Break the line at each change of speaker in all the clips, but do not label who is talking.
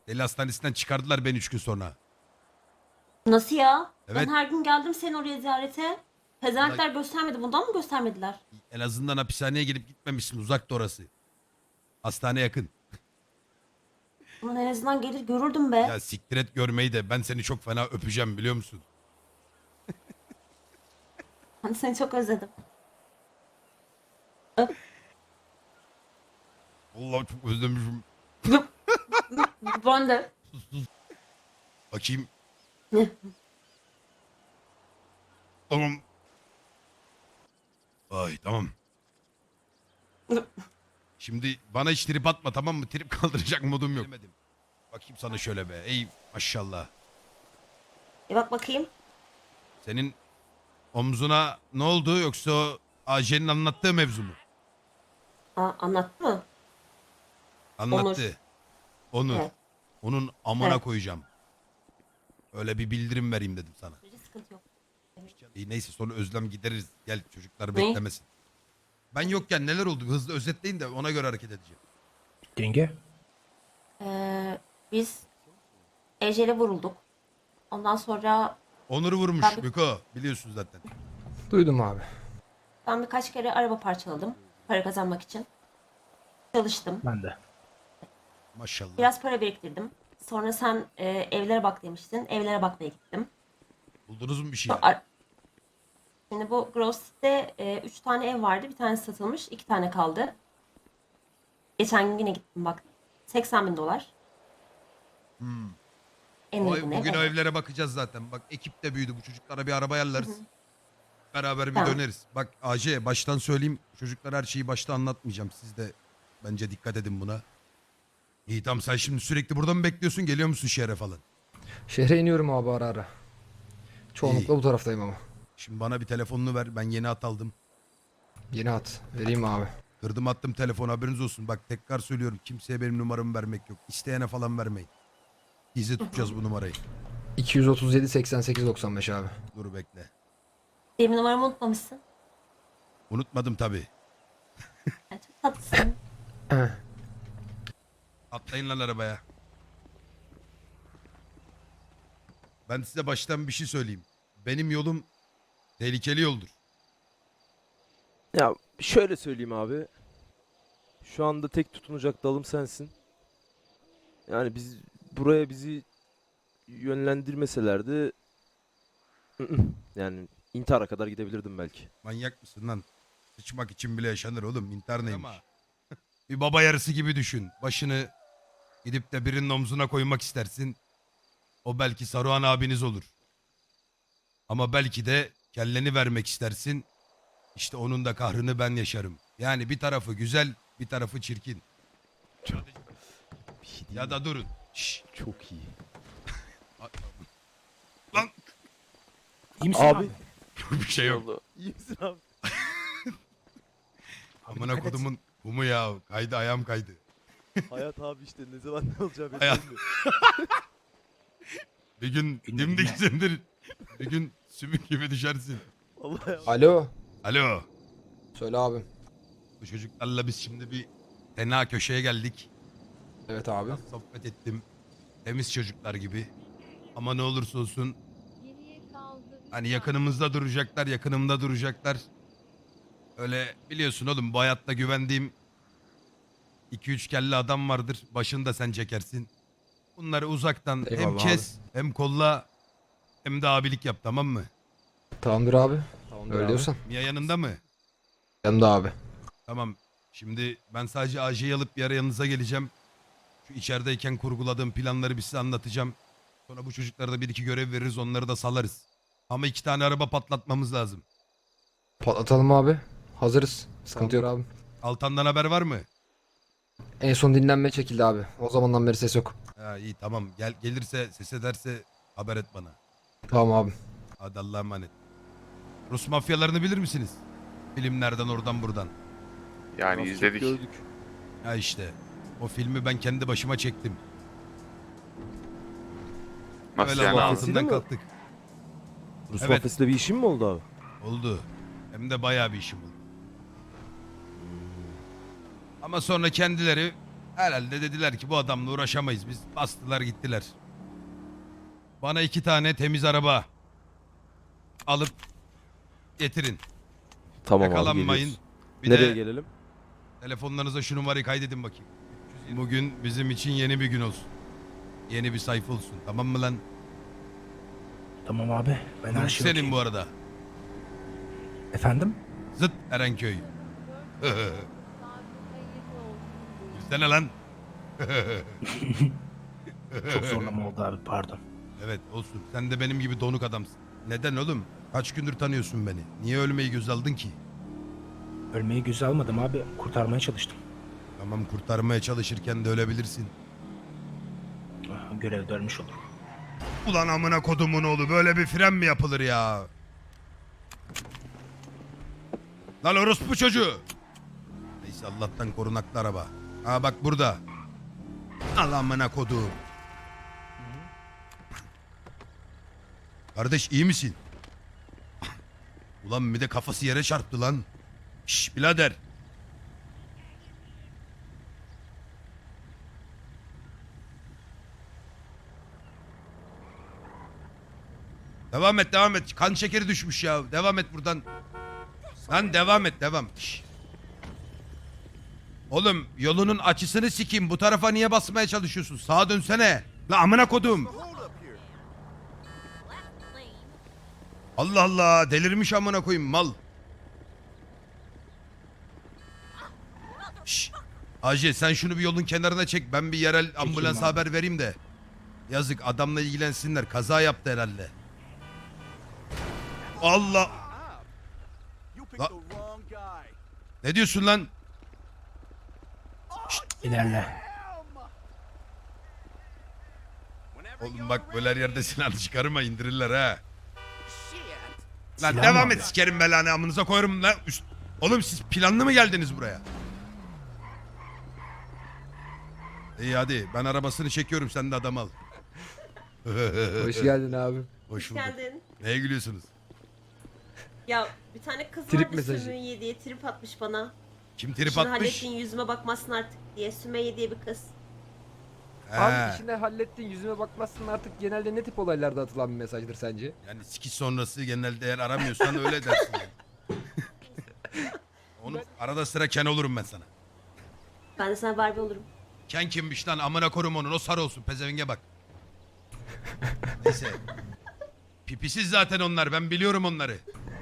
Deli hastanesinden çıkardılar beni 3 gün sonra.
Nasıl ya?
Evet.
Ben her gün geldim senin oraya ziyarete. Pezevenkler göstermedi. Bundan mı göstermediler?
En azından hapishaneye gelip gitmemişsin. Uzakta orası. Hastane yakın.
Ulan en azından gelir görürdüm be.
Ya siktir et görmeyi de ben seni çok fena öpeceğim biliyor musun?
Hani seni çok özledim. Öp.
Vallahi çok özlemişim.
Ben de.
Bakayım. Tamam. Ay tamam. Şimdi bana hiç trip atma tamam mı? Trip kaldıracak modum yok. Bakayım sana şöyle be. Ey maşallah.
Bak bakayım.
Senin omzuna ne oldu yoksa o Ajen'in anlattığı mevzu mu?
Anlattı mı?
Anlattı. Onur.
Evet.
Onun amına
Evet.
koyacağım. Öyle bir bildirim vereyim dedim sana.
Hiç sıkıntı yok.
İyi neyse sonra özlem gideriz. Gel çocuklar
Ne?
beklemesin. Ben yokken neler oldu? Hızlı özetleyin de ona göre hareket edeceğim.
Yenge.
Biz Ece'yle vurulduk. Ondan sonra
Onur'u vurmuş
Ben-
Miko. Biliyorsun zaten.
Duydum abi.
ben birkaç kere araba parçaladım. Para kazanmak için. Çalıştım.
Ben de.
Maşallah.
Biraz para biriktirdim. Sonra sen evlere bak demiştin. Evlere bakmaya gittim.
Buldunuz mu bir şey?
Sonra Şimdi bu Gross'te 3 tane ev vardı. Bir tanesi satılmış. 2 tane kaldı. Geçen gün yine gittim bak. 80 bin dolar. En uygun ev.
Bugün o
Evet.
evlere bakacağız zaten. Bak ekip de büyüdü. Bu çocuklara bir araba ayarlarız. Beraber bir
Tamam.
döneriz. Bak AJ baştan söyleyeyim. Çocuklar her şeyi başta anlatmayacağım. Siz de bence dikkat edin buna. İyi tamam sen şimdi sürekli burada mı bekliyorsun? Geliyor musun şehre falan?
Şehre iniyorum abi ara ara. Çoğunlukla
İyi.
bu taraftayım ama.
Şimdi bana bir telefonunu ver. Ben yeni at aldım.
Yeni at. Vereyim abi.
Kırdım attım telefon haberiniz olsun. Bak tekrar söylüyorum. Kimseye benim numaramı vermek yok. İsteyene falan vermeyin. Gizli tutacağız bu numarayı.
237 88 95 abi.
Dur bekle.
Benim numaramı unutmamışsın.
Unutmadım tabii.
Yani çok tatlısın.
Atlayın lan arabaya. Ben size baştan bir şey söyleyeyim. Benim yolum tehlikeli yoldur.
Ya şöyle söyleyeyim abi. Şu anda tek tutunacak dalım sensin. Yani buraya bizi yönlendirmeselerdi yani intihara kadar gidebilirdim belki.
Manyak mısın lan? Sıçmak için bile yaşanır oğlum. İntihar neymiş? Bir baba yarısı gibi düşün. Başını gidip de birinin omzuna koymak istersin. O belki Saruhan abiniz olur. Ama belki de kelleni vermek istersin. İşte onun da kahrını ben yaşarım. Yani bir tarafı güzel, bir tarafı çirkin.
Bir şey değil
Ya
mi?
da durun. Şşş.
Çok iyi.
Lan
İyi misin
Abi.
bir şey yok.
Oldu. İyi misin abi?
Amına
dikkat et.
kodumun humu ya. Kaydı ayağım kaydı.
Hayat abi işte ne zaman ne olacağı belli
Hayat.
olmuyor.
Bir gün dimdiksindir. Bir gün sümük gibi düşersin.
Vallahi ya.
Alo.
Alo.
Söyle abi.
Bu çocuklarla biz şimdi bir fena köşeye geldik.
Evet abi.
Biraz sohbet ettim. Temiz çocuklar gibi. Ama ne olursa olsun hani yakınımızda duracaklar, yakınımda duracaklar. Öyle biliyorsun oğlum bu hayatta güvendiğim 2-3 kelle adam vardır. Başını da sen çekersin. Bunları uzaktan hem
Eyvallah
kes hem kolla hem de abilik yap tamam mı?
Tamamdır abi.
Tamamdır
Öyle
abi.
diyorsan.
Mia yanında mı?
Yanımda abi.
Tamam. Şimdi ben sadece AJ'yi alıp bir ara yanınıza geleceğim. Şu içerideyken kurguladığım planları bir size anlatacağım. Sonra bu çocuklara da bir iki görev veririz onları da salarız. Ama 2 tane araba patlatmamız lazım.
Patlatalım abi. Hazırız. Sıkıntı yok abi.
Altan'dan haber var mı?
En son dinlenme çekildi abi. O zamandan beri ses yok.
Ha, iyi tamam. Gelirse ses ederse haber et bana.
Tamam abi.
Hadi Allah'a emanet. Rus mafyalarını bilir misiniz? Filmlerden oradan buradan.
Yani
Az çok
izledik.
Gördük.
Ha işte. O filmi ben kendi başıma çektim.
Nasıl
Öyle
yani
Allah'ın
abi?
Mafyasıyla
altından
mı?
kalktık.
Rus
Evet.
mafyasıyla bir işin mi oldu abi?
Oldu. Hem de bayağı bir işim oldu. Ama sonra kendileri Herhalde dediler ki bu adamla uğraşamayız biz. Bastılar gittiler. Bana 2 tane temiz araba alıp getirin.
Tamam abi
Yakalanmayın.
geliyoruz.
Bir
Nereye
de
gelelim?
telefonlarınıza şu numarayı kaydedin bakayım. Bugün bizim için yeni bir gün olsun. Yeni bir sayfa olsun. Tamam mı lan?
Tamam abi. Ben her
Grup
şey
senin
okeyim.
bu arada.
Efendim?
Zıt Erenköy. Gülsene lan.
Çok zorlama oldu abi pardon.
Evet olsun. Sen de benim gibi donuk adamsın. Neden oğlum? Kaç gündür tanıyorsun beni? Niye ölmeyi göz aldın ki?
Ölmeyi göze almadım abi. Kurtarmaya çalıştım.
Tamam kurtarmaya çalışırken de ölebilirsin.
Görevde ölmüş olurum.
Ulan amına kodumun oğlu böyle bir fren mi yapılır ya? Lan orospu çocuğu. Neyse Allah'tan korunaklı araba. Ha bak burada. Al amına kodum. Kardeş iyi misin? Ulan bir de kafası yere çarptı lan. Şşş birader. Devam et devam et. Kan şekeri düşmüş ya. Devam et buradan. Lan devam et devam. Şşş. Oğlum yolunun açısını sikeyim. Bu tarafa niye basmaya çalışıyorsun? Sağa dönsene. La amına kodum. Allah Allah delirmiş amına koyayım mal. Şşş. Hacı sen şunu bir yolun kenarına çek. Ben bir yerel ambulans
abi.
haber vereyim de. Yazık adamla ilgilensinler. Kaza yaptı herhalde. Allah. La. Ne diyorsun lan?
İlerle.
Oğlum bak böyle her yerde silah çıkarma indirirler ha. Lan
Silah
devam
mı
et
abi?
sikerim belanı amınıza koyarım lan. Oğlum siz planlı mı geldiniz buraya? İyi hadi ben arabasını çekiyorum sen de adam al.
Hoş geldin abi.
Hoş bulduk.
Geldin.
Neye gülüyorsunuz?
Ya bir tane kız
Trip
vardı
mesajı.
Sümeyye diye trip atmış bana.
Kim trip
Şunu
atmış?
hallettin yüzüme bakmazsın artık diye. Sümeyye diye bir kız.
He.
Abi işine hallettin yüzüme bakmazsın artık genelde ne tip olaylarda atılan bir mesajdır sence?
Yani sikiş sonrası genelde eğer aramıyorsan öyle dersin yani. Onu arada sıra Ken olurum ben sana.
Ben de sana Barbie olurum.
Ken kimmiş lan amına korum onun o sarı olsun pezevenge bak. Neyse. Pipisiz zaten onlar ben biliyorum onları.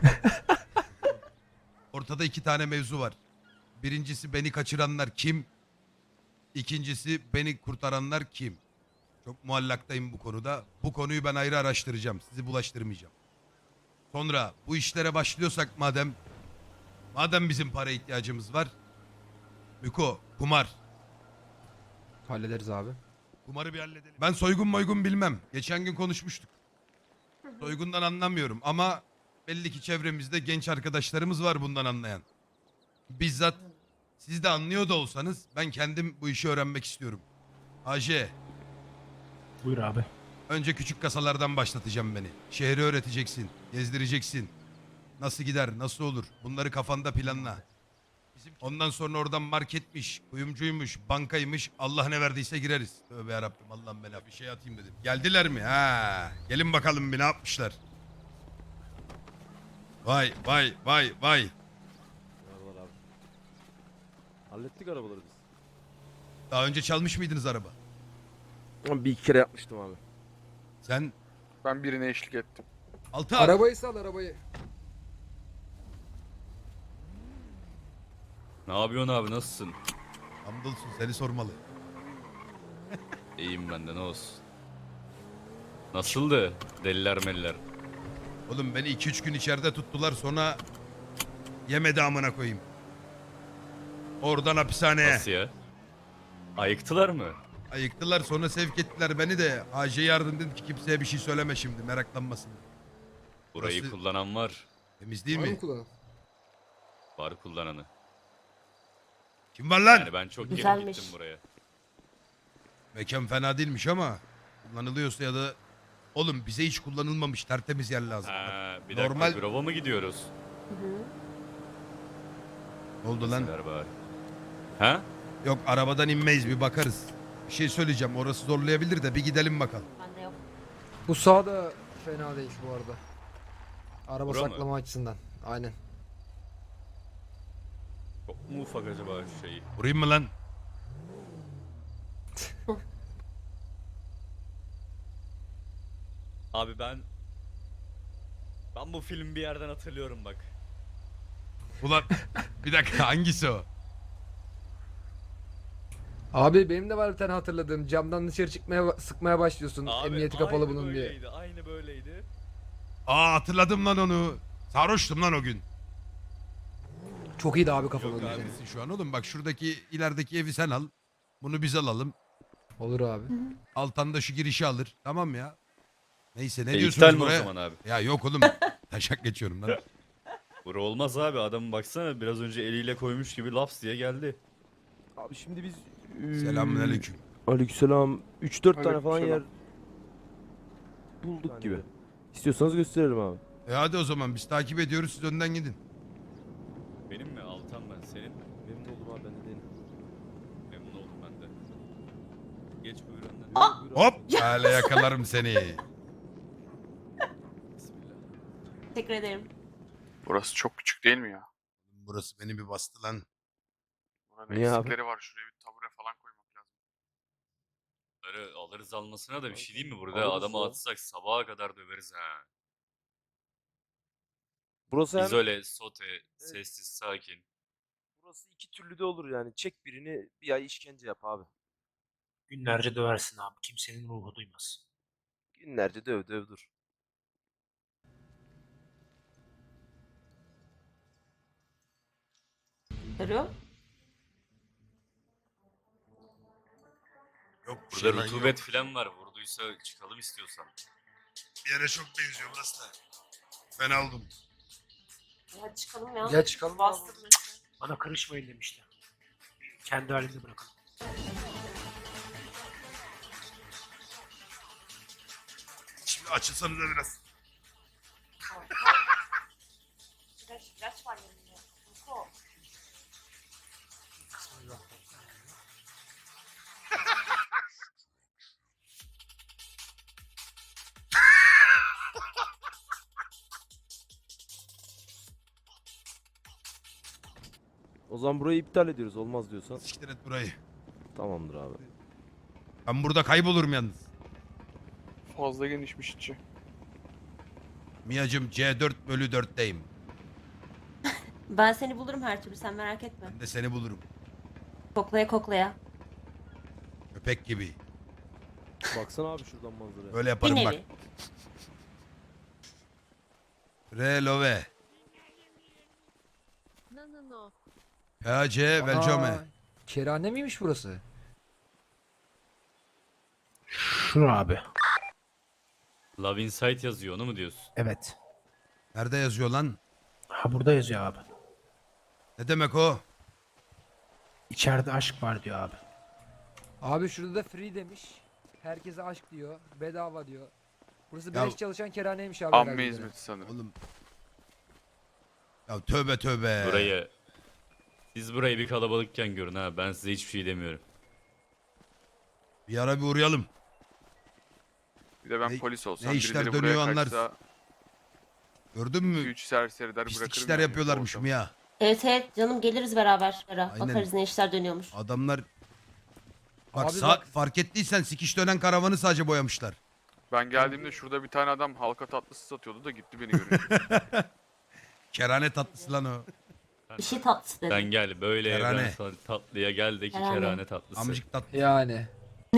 Ortada 2 tane mevzu var. Birincisi beni kaçıranlar kim? İkincisi beni kurtaranlar kim? Çok muallaktayım bu konuda. Bu konuyu ben ayrı araştıracağım. Sizi bulaştırmayacağım. Sonra bu işlere başlıyorsak madem bizim para ihtiyacımız var. Miko, kumar.
Hallederiz abi.
Kumarı bir halledelim. Ben soygun bilmem. Geçen gün konuşmuştuk. Soygundan anlamıyorum ama belli ki çevremizde genç arkadaşlarımız var bundan anlayan. Bizzat siz de anlıyor da olsanız ben kendim bu işi öğrenmek istiyorum. AJ,
Buyur abi.
önce küçük kasalardan başlatacağım beni. Şehri öğreteceksin, gezdireceksin. Nasıl gider, nasıl olur bunları kafanda planla. Ondan sonra oradan marketmiş, kuyumcuymuş, bankaymış. Allah ne verdiyse gireriz. Tövbe yarabbim Allah'ım bela bir şey atayım dedim. Geldiler mi? Ha, gelin bakalım bir ne yapmışlar. Vay vay vay vay.
Merhabalar abi. Hallettik arabaları biz.
Daha önce çalmış mıydınız araba?
Ama bir iki kere yapmıştım abi.
Sen
Ben birine eşlik ettim.
altı
Arabayı sal arabayı.
Ne yapıyorsun abi nasılsın?
Hamdolsun seni sormalı.
İyiyim ben de ne olsun. Nasıldı? Deliler meliler.
Oğlum beni 2-3 gün içeride tuttular sonra yemedi amına koyayım. Oradan hapishaneye.
Nasıl ya? Ayıktılar mı?
Ayıktılar sonra sevk ettiler beni de. AJ yardım dedim ki kimseye bir şey söyleme şimdi meraklanmasın.
Burayı
Burası-
kullanan var.
Temiz değil
Var
mi?
mı kullanan?
Var kullananı.
Kim var lan?
Yani ben çok geri
Güzelmiş.
gittim buraya.
Mekan fena değilmiş ama kullanılıyorsa ya da oğlum bize hiç kullanılmamış tertemiz yer lazım.
Ha, bir dakika
Normal-
Grova mı gidiyoruz?
Ne oldu lan?
Ver bari. Ha?
Yok arabadan inmeyiz bir bakarız. Bir şey söyleyeceğim orası zorlayabilir de bir gidelim bakalım.
Bende yok.
Bu sağ da fena değil bu arada. Araba
Bura mı?
saklama açısından. Aynen.
Çok mu ufak acaba şu şeyi?
Vurayım mı lan?
Abi ben bu filmi bir yerden hatırlıyorum bak.
Ulan bir dakika hangisi o?
Abi benim de var bir tane hatırladığım. Camdan dışarı çıkmaya sıkmaya başlıyorsun.
Abi,
Emniyeti kapalı
aynı
bunun diye.
böyleydi, aynı böyleydi.
Aa hatırladım lan onu. Sarhoştum lan o gün.
Çok iyiydi abi kafa
Yok
bunun
abi.
için.
Neredesin şu an oğlum? Bak şuradaki ilerideki evi sen al. Bunu biz alalım.
Olur abi.
Altan da şu girişi alır. Tamam ya. Neyse ne
İptal
diyorsunuz
mi
buraya?
o zaman abi?
Ya yok oğlum. Taşak geçiyorum lan.
Bura olmaz abi, adamın baksana biraz önce eliyle koymuş gibi laps diye geldi.
Abi şimdi biz...
Selamünaleyküm.
Aleykümselam. 3-4 tane falan yer
Aleykümselam.
bulduk gibi. İstiyorsanız gösterelim abi.
Hadi o zaman biz takip ediyoruz siz önden gidin.
Benim mi? Altan ben, senin mi?
Memnun oldum abi, ben de değilim.
Memnun oldum ben de. Geç buyur önden.
Ah!
Hop! Öyle yakalarım seni.
Bismillah.
Teşekkür ederim.
Burası çok küçük değil mi ya?
Burası beni bir bastı lan.
Buranın
Niye abi?
eksikleri var. Şuraya bir tabure falan koymak lazım.
Bunları alırız almasına da bir şey değil mi burada?
Alırız
Adamı
ya.
atsak sabaha kadar döveriz ha.
Burası hem...
İzole, sote, sessiz, sakin.
Burası iki türlü de olur yani. Çek birini, bir ay işkence yap abi.
Günlerce döversin abi. Kimsenin ruhu duymaz.
Günlerce döv döv dur.
Arıyor.
Yok bir
Burada
şey lan,
rutubet
yok.
falan var. Vurduysa çıkalım istiyorsan.
Bir yere çok benziyor burası da. Fena oldum.
Hadi çıkalım ya.
Gel çıkalım abi.
Bastı burası.
Bana karışmayın demişti. Kendi halinde bırakın.
Şimdi açılsanıza biraz.
İlaç var yanımda. Niko.
O zaman burayı iptal ediyoruz, olmaz diyorsan.
Siktir et burayı.
Tamamdır abi.
Ben burada kaybolurum yalnız.
Fazla genişmiş içi.
Mia'cım C4/4'teyim.
Ben seni bulurum her türlü, sen merak etme.
Ben de seni bulurum.
Koklaya koklaya.
Köpek gibi.
Baksana abi şuradan manzaraya.
Böyle
Bir
yaparım bak.
nevi.
Relove.
No, no, no.
PAC Velcome.
Aa, kerane miymiş burası?
Şunu abi.
Love Insight yazıyor, onu mu diyorsun?
Evet.
Nerede yazıyor lan?
Ha burada yazıyor abi.
Ne demek o?
İçeride aşk var diyor abi.
Abi şurada da free demiş. Herkese aşk diyor. Bedava diyor. Burası
Ya-
beleş çalışan kerhaneymiş abi.
Amme
herhalde.
hizmeti sanırım.
Oğlum. Ya tövbe tövbe.
Siz burayı bir kalabalıkken görün ha. Ben size hiçbir şey demiyorum.
Bir ara bir uğrayalım.
Bir de ben
Ne-
polis olsam
ne işler
birileri
dönüyor
buraya
anlarsın.
kaçsa
Gördün mü?
2-3 serseri der
Pislik
bırakırım
işler
yani
yapıyorlarmış
ortamı.
Mia.
Evet evet canım, geliriz beraber.
Aynen.
Bakarız ne işler dönüyormuş.
Adamlar bak,
Abi bak-
fark ettiysen sikiş dönen karavanı sadece boyamışlar.
Ben geldiğimde şurada bir tane adam halka tatlısı satıyordu da gitti beni görünce.
Kerane tatlısı lan o.
Bir şey tatlısı dedi.
Sen gel böyle
Kerane.
ben sana tatlıya gel de ki
Kerane.
kerane tatlısı.
Amcık tatlı.
Yani.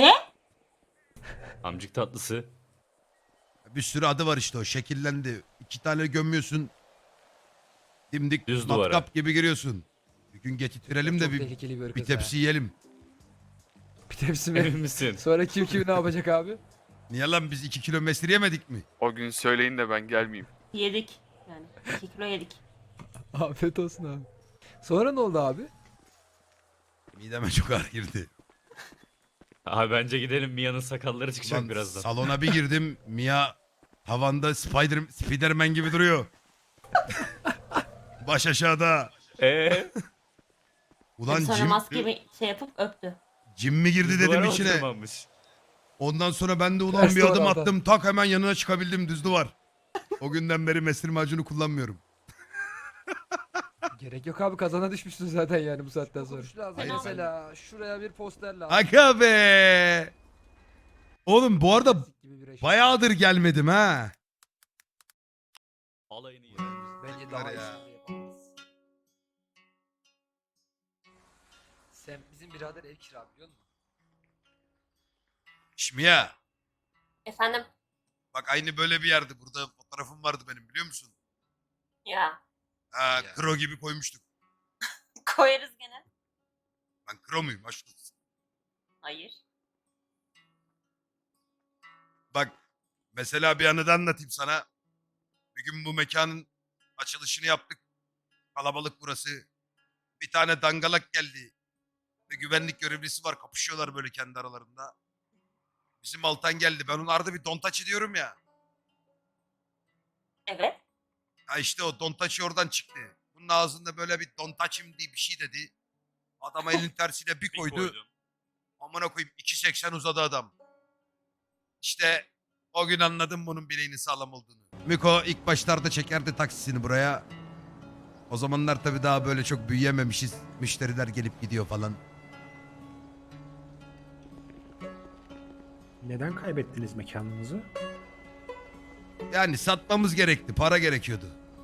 Amcık tatlısı.
Bir sürü adı var işte o. Şekillendi. 2 tane gömüyorsun. Dimdik
Düz duvara.
matkap gibi giriyorsun. Bir gün getirtirelim de
Çok
bir
tehlikeli bir ırkız
tepsi yiyelim.
Bir tepsi
Emin
mi?
misin?
Sonra kim kimi ne yapacak abi?
Niye lan biz 2 kilo mesir yemedik mi?
O gün söyleyin de ben gelmeyeyim.
Yedik. Yani 2 kilo yedik.
Afiyet olsun abi. Sonra ne oldu abi?
Mideme çok ağır girdi.
Abi bence gidelim, Mia'nın sakalları çıkacak
Ulan
birazdan.
salona bir girdim. Mia tavanda Spiderman gibi duruyor. Baş aşağıda. Ulan
Sonra
Jim,
maskemi şey yapıp öptü.
Jim mi girdi dedim
Duvara
içine.
oturmamış.
Ondan sonra ben de ulan
Ters
bir
duvar
adım
aldı.
attım. Tak hemen yanına çıkabildim düz duvar. O günden beri mesir macunu kullanmıyorum.
Gerek yok abi, kazana düşmüşsün zaten yani bu saatten sonra. Şu lazım
Hayır,
mesela şuraya bir poster lazım.
Aga be. Oğlum bu arada
Gibi bir eşya.
bayağıdır gelmedim ha.
Alayını yiyelim.
Bence daha
ya.
iyisini yapabiliriz. Sen bizim birader ev kira biliyor musun?
Şimdi ya.
Efendim?
Bak aynı böyle bir yerde. Burada fotoğrafım vardı benim biliyor musun?
Ya.
Ha, kro gibi koymuştuk.
Koyarız gene.
Ben kro muyum? Aşk olsun.
Hayır.
Bak mesela bir anı da anlatayım sana. Bir gün bu mekanın açılışını yaptık. Kalabalık burası. Bir tane dangalak geldi. Ve güvenlik görevlisi var. Kapışıyorlar böyle kendi aralarında. Bizim Altan geldi. Ben ona arada bir dontaçı diyorum ya.
Evet.
Ha işte o dontaçı oradan çıktı. Bunun ağzında böyle bir dontaçım diye bir şey dedi. Adama elin tersiyle bir koydu. Amına koyayım 2.80 uzadı adam. İşte o gün anladım bunun bileğinin sağlam olduğunu. Miko ilk başlarda çekerdi taksisini buraya. O zamanlar tabii daha böyle çok büyüyememişiz. Müşteriler gelip gidiyor falan.
Neden kaybettiniz mekanınızı?
Yani satmamız gerekti. Para gerekiyordu.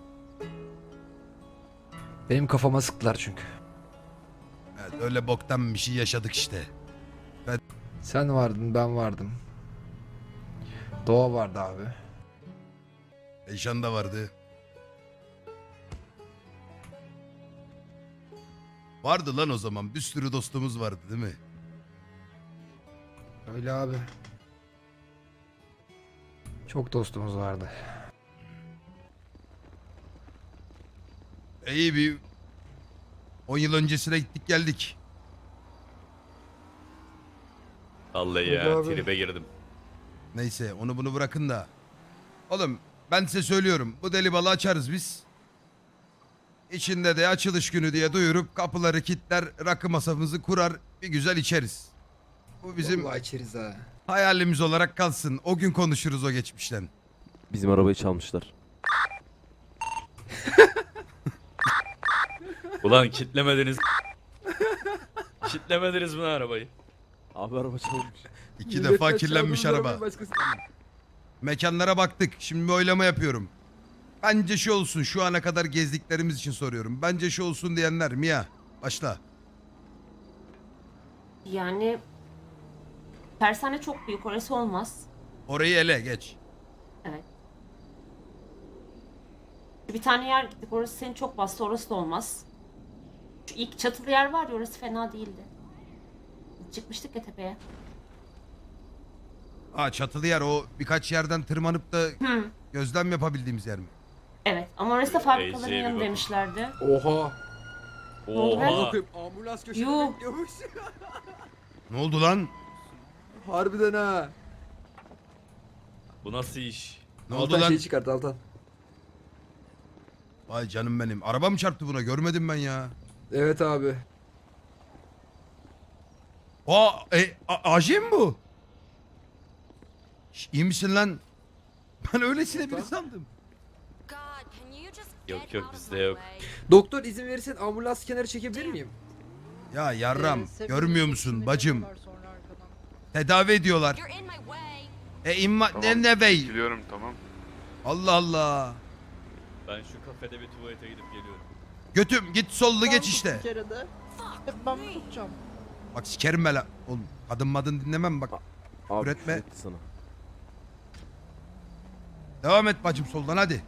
Benim kafama sıktılar çünkü.
Evet, öyle boktan bir şey yaşadık işte.
Sen vardın, ben vardım. Doğa vardı abi.
Eyşan da vardı. Vardı lan o zaman. Bir sürü dostumuz vardı değil mi?
Öyle abi. Çok dostumuz vardı.
İyi bir 10 yıl öncesine gittik geldik.
Vallahi
Hadi
ya
abi.
tribe girdim.
Neyse onu bunu bırakın da. Oğlum ben size söylüyorum. Bu deli balı açarız biz. İçinde de açılış günü diye duyurup kapıları kilitler, rakı masamızı kurar, bir güzel içeriz. Bu bizim
Vallahi içeriz ha.
hayalimiz olarak kalsın. O gün konuşuruz o geçmişten.
Bizim arabayı çalmışlar.
Ulan kitlemediniz. Kitlemediniz mi arabayı?
Abi araba çalmış.
İki defa kirlenmiş araba. Mekanlara baktık. Şimdi bir oylama yapıyorum. Bence şu olsun. Şu ana kadar gezdiklerimiz için soruyorum. Bence şu olsun diyenler. Mia başla.
Yani tersane çok büyük, orası olmaz.
Orayı ele geç.
Evet. Bir tane yer gittik, orası seni çok bastı, orası da olmaz. Şu ilk çatılı yer var ya, orası fena değildi. Çıkmıştık ya tepeye.
Aa çatılı yer o birkaç yerden tırmanıp da
Hı.
gözlem yapabildiğimiz yer mi?
Evet ama orası da fabrikaların
Ece'ye bir
yanı
bakın.
demişlerdi.
Oha.
Oha.
Ambulans
Yuh.
bekliyormuş.
Ne oldu lan?
Harbiden ha.
Bu nasıl iş?
Ne oldu lan?
Çıkart Altan.
Vay canım benim. Araba mı çarptı buna? Görmedim ben ya.
Evet abi.
AJ mi bu? İyi misin lan? Ben öylesine biri sandım.
Yok yok bizde yok.
Doktor izin verirsen ambulans kenara çekebilir miyim?
Ya yarram görmüyor musun bacım? Tedavi ediyorlar.
Tamam.
Ne bey?
Biliyorum tamam.
Allah Allah.
Ben şu kafede bir tuvalete gidip geliyorum.
Götüm git sollu geç işte.
Ben tutacağım.
Bak sikerim ben la. Oğlum kadın madın dinlemem bak.
Abi
Üretme.
küfür etti sana.
Devam et bacım soldan hadi.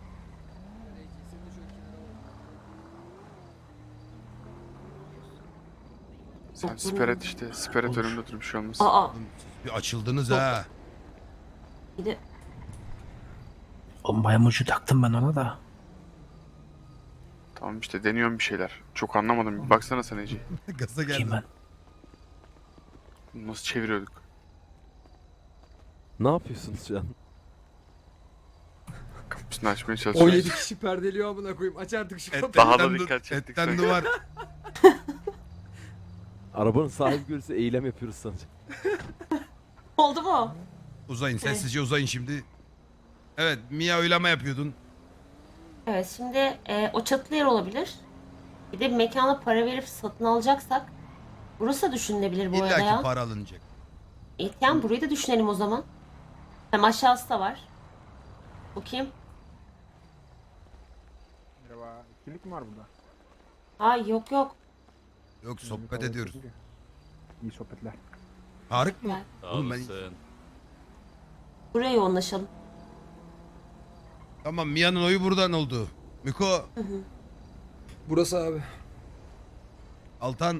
Sen siper et işte. Siper et
Olur.
önümde dur bir şey olmaz.
Aa,
Oğlum, siz bir açıldınız ha.
bir de
Bombaya mucu taktım ben ona da.
Tamam işte deniyorum bir şeyler. Çok anlamadım. Bir baksana sen Ece.
Gaza
Kim
geldim.
ben?
Nasıl çeviriyorduk?
Ne yapıyorsunuz şu an?
Kapısını açmaya çalışıyorum.
17 kişi perdeliyor amına koyayım. Aç artık şu kapıyı.
Daha da
Etten
dikkat çektik
Etten
sanki.
duvar.
Arabanın sahibi görürse eylem yapıyoruz sanacak.
Oldu mu?
Uzayın sessizce uzayın şimdi. Evet Mia oylama yapıyordun.
Evet şimdi o çatılı yer olabilir. Bir de bir mekana para verip satın alacaksak burası da düşünülebilir bu
İlla
arada
ki
ya.
para alınacak.
Yani burayı da düşünelim o zaman. Hem aşağısı da var. Bu kim?
Merhaba. Kimlik mi var burada?
Ay yok yok.
Yok sohbet ediyoruz.
İyi sohbetler.
Tarık mı?
Gel.
Sağ
Oğlum ben-
olasın.
Buraya yoğunlaşalım.
Tamam Mia'nın oyu buradan oldu. Miko,
Burası abi.
Altan.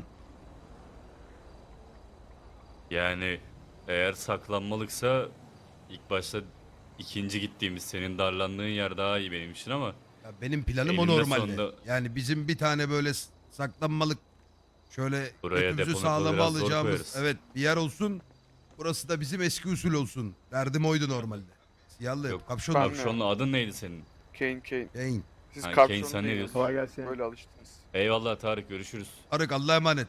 Yani eğer saklanmalıksa ilk başta ikinci gittiğimiz senin darlandığın yer daha iyi benim için ama
Ya benim planım o
Eninde
normalde.
sonunda-
Yani bizim bir tane böyle saklanmalık şöyle
Buraya
götümüzü
deponu
sağlama
biraz zor
alacağımız
koyarız.
evet bir yer olsun. Burası da bizim eski usul olsun. Derdim oydu normalde. Siyahlı
Yok,
kapşonlu.
Ben-
kapşonlu adın neydi senin?
Kane.
Kane.
Siz
Ha,
kapşon
Kane, sen ne
değil,
diyorsun?
Kolay gelsin.
Böyle alıştınız.
Eyvallah Tarık, görüşürüz.
Arık Allah'a emanet.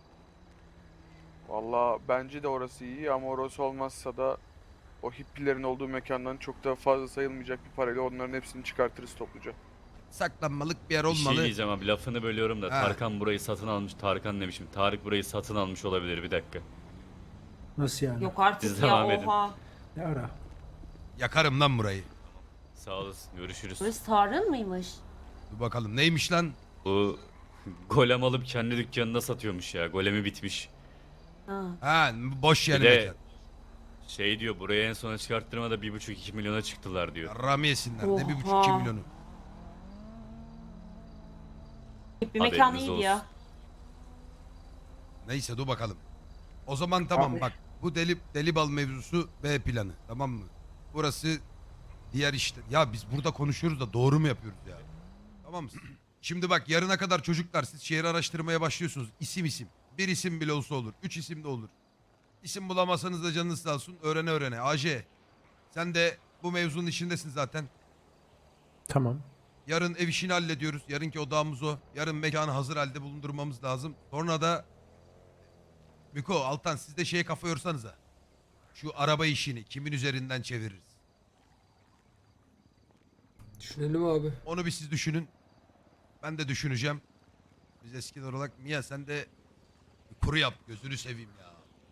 Valla bence de orası iyi ama orası olmazsa da o hippilerin olduğu mekandan çok da fazla sayılmayacak bir parayla onların hepsini çıkartırız topluca.
Saklanmalık bir yer
Bir şey
olmalı.
diyeceğim abi, lafını bölüyorum da
Ha.
Tarkan burayı satın almış. Tarkan demişim. Tarık burayı satın almış olabilir, bir dakika.
Nasıl yani?
Yok artık
Siz
ya
devam edin.
oha.
Ne ara?
Yakarım lan burayı.
Sağ olasın, görüşürüz.
Burası Tarık'ın mıymış?
Dur bakalım neymiş lan?
Bu golem alıp kendi dükkanında satıyormuş ya. Golemi bitmiş.
Ha.
Ha boş yani
Bir de-
mekan.
Şey diyor, buraya en sona çıkarttırmada 1,5-2 milyona çıktılar diyor.
Yarrağımı yesinler. Ne
Oha.
1,5-2 milyonu.
Bir mekan
Haberiniz
iyiydi ya.
olsun.
Neyse dur bakalım. O zaman tamam
Abi.
bak. Bu deli bal mevzusu B planı. Tamam mı? Burası diğer işte. Ya biz burada konuşuyoruz da doğru mu yapıyoruz ya? Tamam mı? Şimdi bak yarına kadar çocuklar siz şehir araştırmaya başlıyorsunuz. İsim. Bir isim bile olsa olur. 3 isim de olur. İsim bulamazsanız da canınız sağ olsun. Öğrene. AJ. Sen de bu mevzunun içindesin zaten.
Tamam.
Yarın ev işini hallediyoruz. Yarınki odağımız o. Yarın mekanı hazır halde bulundurmamız lazım. Sonra da Miko, Altan siz de şeye kafa yorsanıza. Şu araba işini kimin üzerinden çeviririz?
Düşünelim abi.
Onu bir siz düşünün. Ben de düşüneceğim. Biz eskiden olarak Mia sen de bir kuru yap gözünü seveyim ya.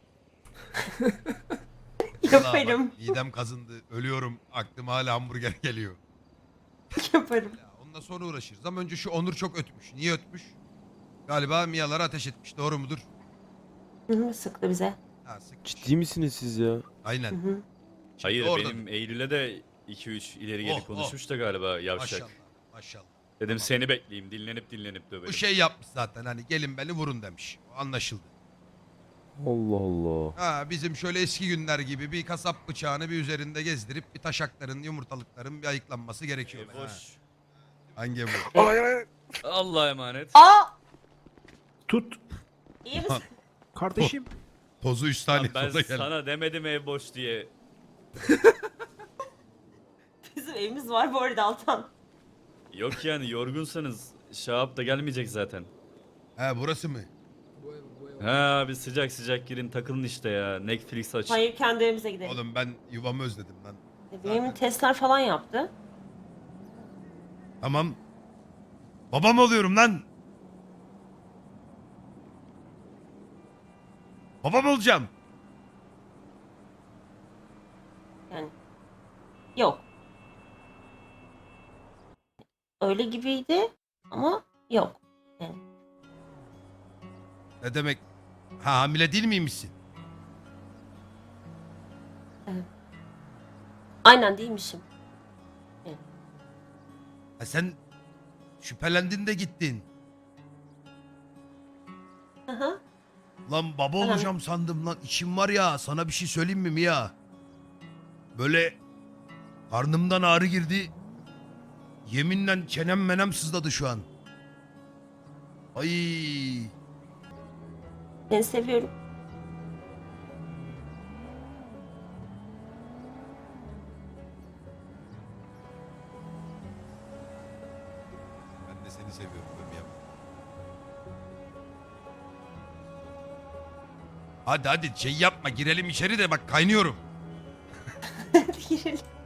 Vallahi
Yaparım.
bak, midem kazındı. Ölüyorum. Aklıma hala hamburger geliyor.
Yaparım.
Ya ondan sonra uğraşırız. Ama önce şu Onur çok ötmüş. Niye ötmüş? Galiba Mia'lara ateş etmiş. Doğru mudur?
Hı hı, sıktı bize.
Ha, sıkmış.
Ciddi misiniz siz ya?
Hı
Aynen.
hı.
Şimdi
Hayır,
orada-
benim Eylül'e de 2-3 ileri geri
Oh,
konuşmuş da galiba yavşak.
Maşallah. Maşallah.
Dedim
Tamam.
seni bekleyeyim, dinlenip dövelim.
Bu şey yapmış zaten hani gelin beni vurun demiş. O anlaşıldı.
Allah Allah.
Ha bizim şöyle eski günler gibi bir kasap bıçağını bir üzerinde gezdirip bir taşakların yumurtalıkların bir ayıklanması gerekiyor. Ha.
Boş.
Hangi bu?
Hayır hayır.
Allah'a emanet.
Aa!
Tut.
İyi misin?
Kardeşim.
Tozu 3
Lan
saniye
ben
sonra geldi.
sana demedim ev boş diye.
Bizim evimiz var bu arada Altan.
Yok yani, yorgunsanız Şahap da gelmeyecek zaten.
Ha burası mı?
Bu ev.
Ha, bir sıcak sıcak girin takılın işte ya. Netflix aç.
Hayır kendi evimize gidelim.
Oğlum ben yuvamı özledim lan.
Benim testler falan yaptı.
Tamam. Babam oluyorum lan. Babam olacağım.
Yani yok. Öyle gibiydi ama yok. Yani.
Ne demek? Ha hamile değil miymişsin?
Aynen değilmişim.
Ha sen şüphelendin de gittin.
Hı hı.
Lan baba olacağım sandım lan. İçim var ya sana bir şey söyleyeyim mi Mia? Böyle karnımdan ağrı girdi. Yeminle çenem menem sızladı şu an. Ay.
Seni seviyorum.
Ben de seni seviyorum be Mia. Hadi hadi şey yapma girelim içeri de bak kaynıyorum.
Girelim.